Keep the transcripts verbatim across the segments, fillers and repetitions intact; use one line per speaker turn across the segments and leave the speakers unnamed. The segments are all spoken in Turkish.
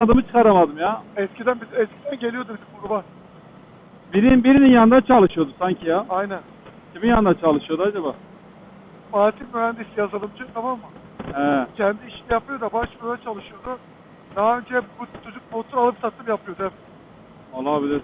adımı çıkaramadım ya.
Eskiden biz eskiden geliyordu bizim gruba.
Birinin birinin yanında çalışıyordu sanki ya.
Aynen.
Kimin yanında çalışıyordu acaba?
Fatih mühendis yazılımcı, tamam mı?
He.
Kendi işini yapıyor da başvuruda çalışıyordu. Daha önce bu çocuk motor alıp satım yapıyordu hep.
Olabilir.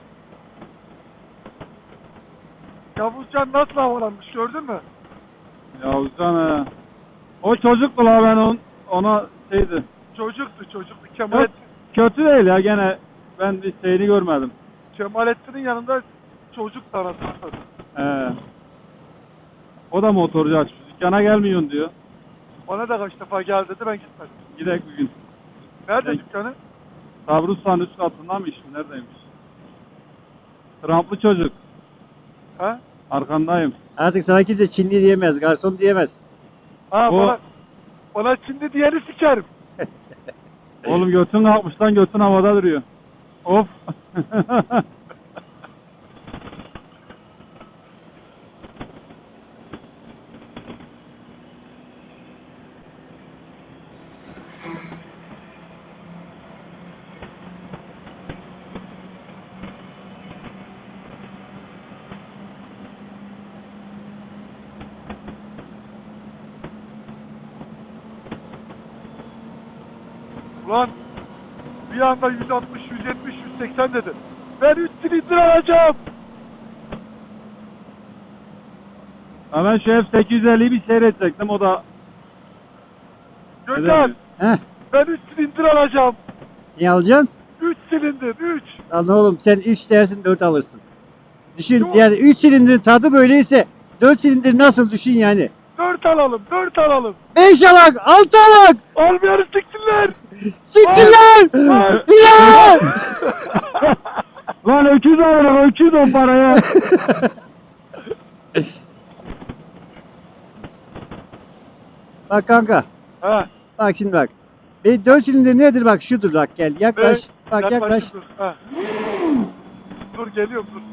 Yavuzcan nasıl havalanmış gördün mü?
Yavuzcan he. O çocuktu la ben on, ona şeydi.
Çocuktu çocuktu.
Çok
Kemalettin,
kötü değil ya gene ben bir şeyini görmedim.
Kemalettin'in yanında çocuk anasını.
He. O da motorcu açmış. Dükkana gelmiyorsun diyor.
Bana da kaç defa gel dedi, ben gitmedim.
Gidek bir gün.
Nerede
Ben-
dükkanı?
Sabri Usta'nın üst katında mı işin? Neredeymiş? Tramplı çocuk.
Ha?
Arkandayım.
Artık sana kimse Çinli diyemez, garson diyemez.
Ha
O-
bana, bana şimdi diyeni sikerim.
Oğlum götün kalkmış lan, götün havada duruyor. Of.
Ulan bir anda yüz altmış, yüz yetmiş, yüz seksen dedi. Ben üç silindir alacağım.
Hemen şu F sekiz yüz elliyi bir seyredecektim, o da
Gökhan,
Heh,
ben üç silindir alacağım.
niye alacaksın?
üç silindir, üç.
Lan oğlum sen üç dersin dört alırsın. Düşün
Yok.
yani üç silindirin tadı böyleyse dört silindir nasıl düşün yani.
dört alalım, dört alalım.
beş alak, altı alak,
Almayanı siksinler.
siktirler!
Ay.
Bilal!
lan öküz alırım, öküz on paraya.
Bak kanka,
Ha.
bak şimdi bak. Benim dört silindir nedir bak şudur bak gel yaklaş.
Ve-
Bak yaklaş.
Dur. Ha. Dur geliyorum dur.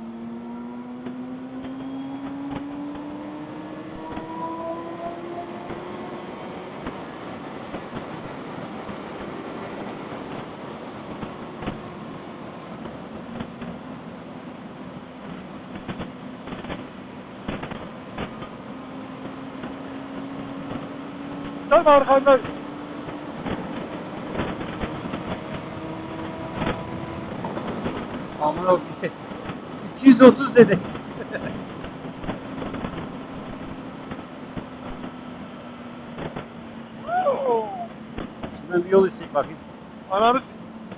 Tam arkanda.
Aman o iki yüz otuz dedi. Şimdi ben bir yol isteyeyim bakayım.
Ananı s-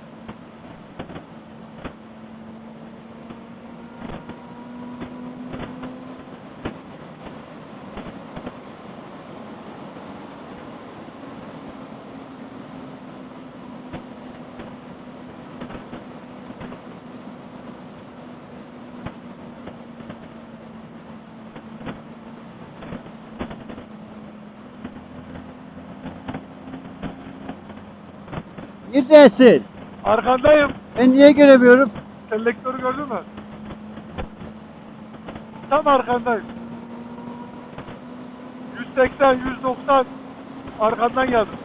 Neredesin?
Arkandayım.
Ben niye göremiyorum?
Selektörü gördün mü? Tam arkandayım. yüz seksen, yüz doksan arkandan geldim.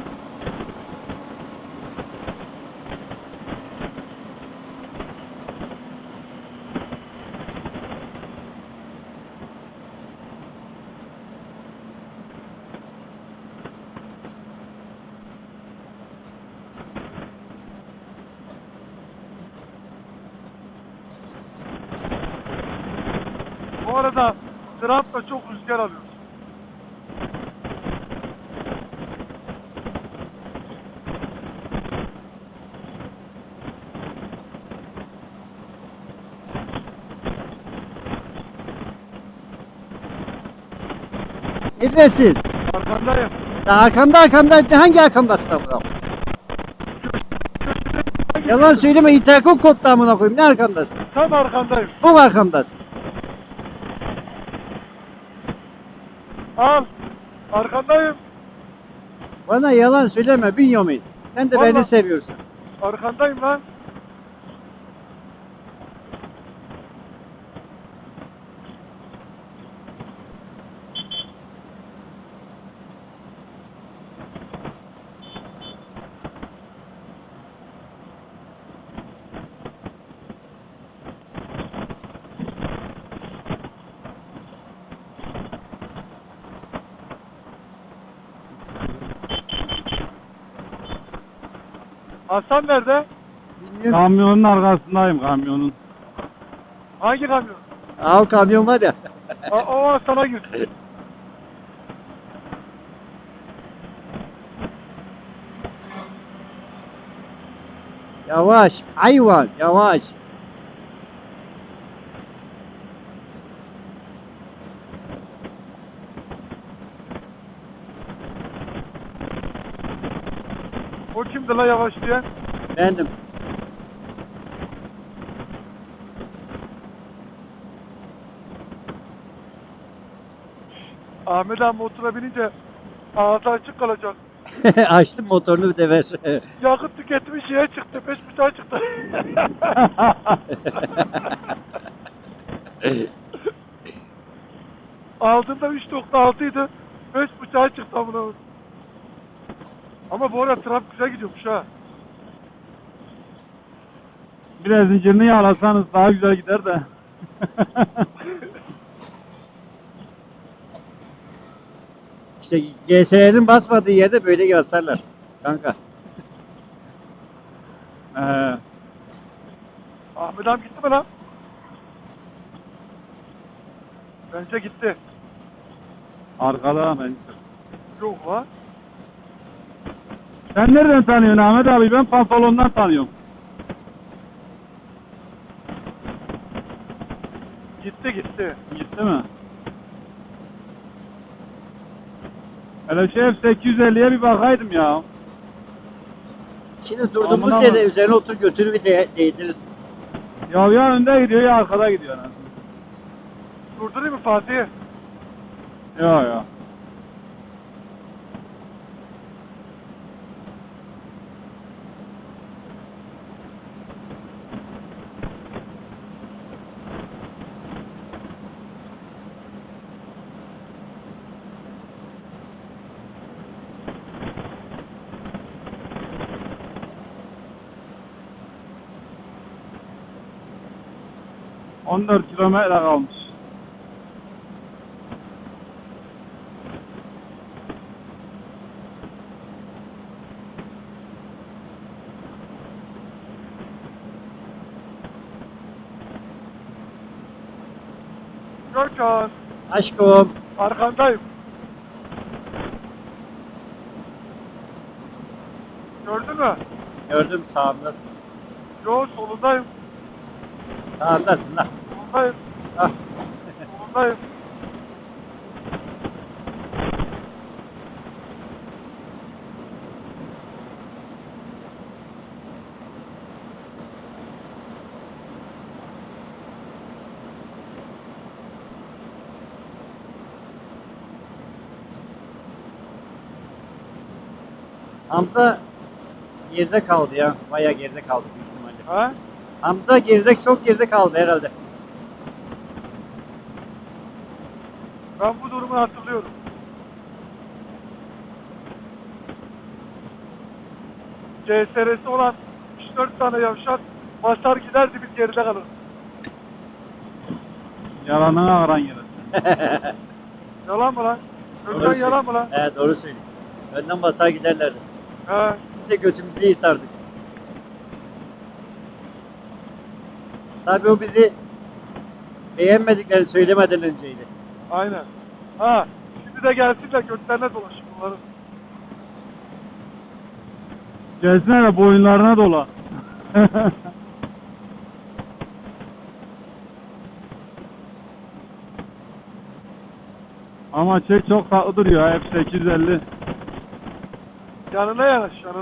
Bu arada Trump'la çok rüzgar alıyoruz.
Neredesin?
Arkandayım.
Ya arkamda arkamda hangi arkamdasın amına koyayım? Yalan söyleme interkom koptu amına koyayım. Ne arkamdasın?
Tam arkandayım.
Bu mu arkamdasın?
Al. Arkandayım.
Bana yalan söyleme Bünyamin. Sen de
Vallahi-
beni seviyorsun.
Arkandayım lan. Hasan nerede?
Bilmiyorum.
Kamyonun arkasındayım kamyonun.
Hangi kamyon?
Aa, o kamyon var ya.
O, o Hasan'a gir.
Yavaş. Hayvan. Yavaş.
O kimdi la yavaş diyen?
Bendim.
Ahmet abi motora binince ağzı açık kalacak.
Açtım motorunu bir de ver.
Yakıt tüketimi şeye çıktı. Beş buçuğa çıktı. Aldığında üç nokta altı idi. Beş buçuğa çıktı amına. Ama bu arada trafik güzel gidiyormuş ha.
Biraz zincirini yağlasanız daha güzel gider de.
İşte G S R'nin basmadığı yerde böyle basarlar. Kanka.
Ee,
Ahmet abi gitti mi lan? Bence gitti.
arkada ben.
Yok lan.
Sen nereden tanıyorsun Ahmet abi? Ben pantolondan tanıyorum.
Gitti gitti.
Gitti mi? Hele şey sekiz yüz elliye bir bakaydım ya.
Şimdi durduğumuz
Amına
yere
bak.
üzerine otur götürü bir de değdiririz.
Ya ya önde gidiyor ya arkada gidiyor. Yani.
Durdurayım mı Fatih'i?
Ya ya. on dört kilometre kalmış.
Görkan.
Aşkım.
Arkandayım. Gördün mü?
Gördüm sağımdasın.
Yo solundayım.
Sağımdasın lan.
Solundayım.
Ah.
Solundayım.
Hamza geride kaldı ya. Bayağı geride kaldı büyük ihtimalle.
Ha?
Hamza geride, çok geride kaldı herhalde.
Ben bu durumu hatırlıyorum. C S R'si olan üç dört tane yavşak basar giderdi biz geride kalır.
Yalanına aran yere.
Yalan mı lan?
Doğru
Görkan
söylüyor.
yalan mı lan?
He, doğru söylüyor. Önden basar giderlerdi.
He.
Biz de götümüzü yırtardık. Tabii o bizi beğenmediklerini söylemeden önceydi.
Aynen. Ha. Şimdi de gelsinler götlerine dolaşın bunların.
Gelsene de boyunlarına dola. Ama çek çok tatlı duruyor ha, hep sekiz yüz elli.
Yanına yanaş yanına.